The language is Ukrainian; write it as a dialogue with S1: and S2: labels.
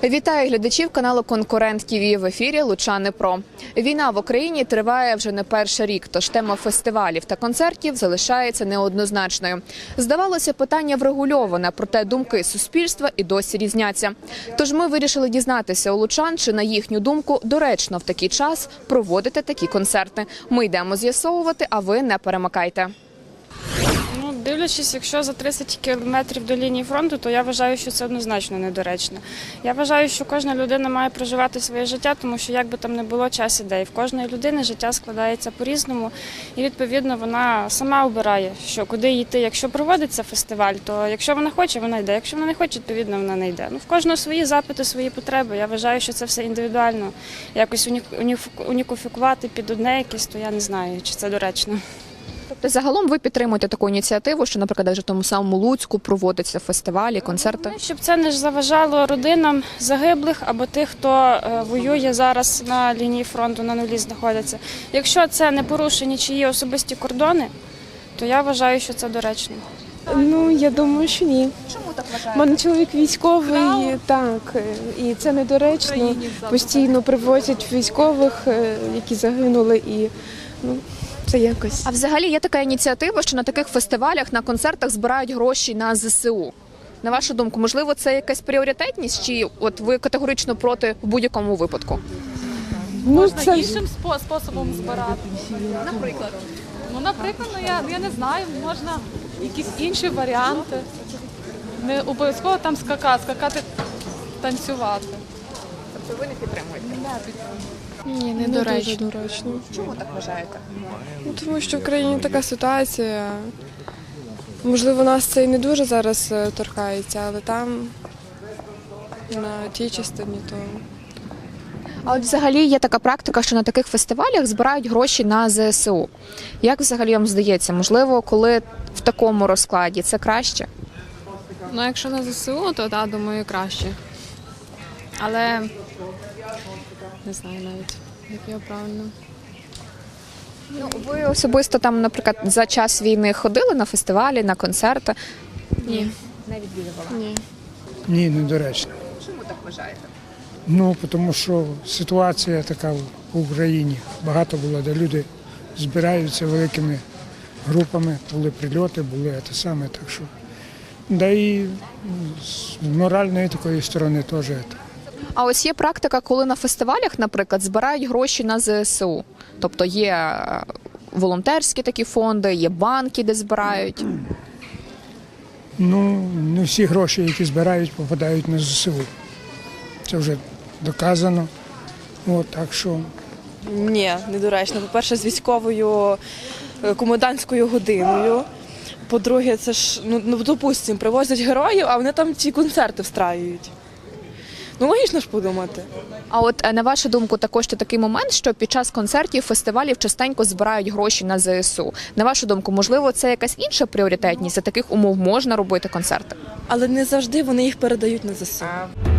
S1: Вітаю глядачів каналу «Конкурент ТВ», в ефірі «Лучани Про». Війна в Україні триває вже не перший рік, тож тема фестивалів та концертів залишається неоднозначною. Здавалося, питання врегульоване, проте думки суспільства і досі різняться. Тож ми вирішили дізнатися у лучан, чи на їхню думку доречно в такий час проводити такі концерти. Ми йдемо з'ясовувати, а ви не перемикайте.
S2: Дивлячись, якщо за 30 кілометрів до лінії фронту, то я вважаю, що це однозначно недоречно. Я вважаю, що кожна людина має проживати своє життя, тому що як би там не було, час іде. І в кожної людини життя складається по-різному. І, відповідно, вона сама обирає, що куди йти. Якщо проводиться фестиваль, то якщо вона хоче, вона йде. Якщо вона не хоче, відповідно, вона не йде. В кожного свої запити, свої потреби. Я вважаю, що це все індивідуально. Якось уніфікувати під одне якесь, то я не знаю, чи це доречно.
S1: Тобто загалом ви підтримуєте таку ініціативу, що, наприклад, в тому самому Луцьку проводяться фестивалі, концерти?
S2: Щоб це не заважало родинам загиблих або тих, хто воює зараз на лінії фронту, на нулі знаходяться. Якщо це не порушені нічиї особисті кордони, то я вважаю, що це доречно.
S3: Я думаю, що ні.
S1: Чому так вважаєте?
S3: У мене чоловік військовий, так, і це недоречно. Постійно привозять військових, які загинули, і це якось.
S1: А взагалі є така ініціатива, що на таких фестивалях, на концертах збирають гроші на ЗСУ. На вашу думку, можливо, це якась пріоритетність, чи от ви категорично проти в будь-якому випадку?
S4: Можна іншим способом збирати.
S1: Наприклад?
S4: Наприклад, я не знаю, можна якісь інші варіанти. Не обов'язково там скакати, танцювати.
S1: Тобто ви не підтримуєте?
S3: Ні, не дуже доречно.
S1: Чому так вважаєте?
S3: Тому що в країні така ситуація. Можливо, нас це і не дуже зараз торкається, але там, на тій частині, то...
S1: А от взагалі є така практика, що на таких фестивалях збирають гроші на ЗСУ. Як взагалі вам здається, можливо, коли в такому розкладі це краще?
S5: Якщо на ЗСУ, то так, думаю, краще. Але не знаю навіть, як його правильно.
S1: Ви особисто там, наприклад, за час війни ходили на фестивалі, на концерти?
S5: Ні.
S1: Не відвідувала?
S5: Ні.
S6: Ні, недоречно.
S1: Чому так вважаєте?
S6: Тому що ситуація така в Україні. Багато було, де люди збираються великими групами, були прильоти, були те саме, так що. Да і з моральної такої сторони теж.
S1: А ось є практика, коли на фестивалях, наприклад, збирають гроші на ЗСУ. Тобто є волонтерські такі фонди, є банки, де збирають.
S6: Не всі гроші, які збирають, попадають на ЗСУ. Це вже доказано. Так що...
S7: Ні, недоречно. По-перше, з військовою комендантською годиною. По-друге, це ж, допустимо, привозять героїв, а вони там ці концерти встраюють. Логічно ж подумати.
S1: А от на вашу думку, також є такий момент, що під час концертів, фестивалів частенько збирають гроші на ЗСУ. На вашу думку, можливо, це якась інша пріоритетність? За таких умов можна робити концерти?
S7: Але не завжди вони їх передають на ЗСУ.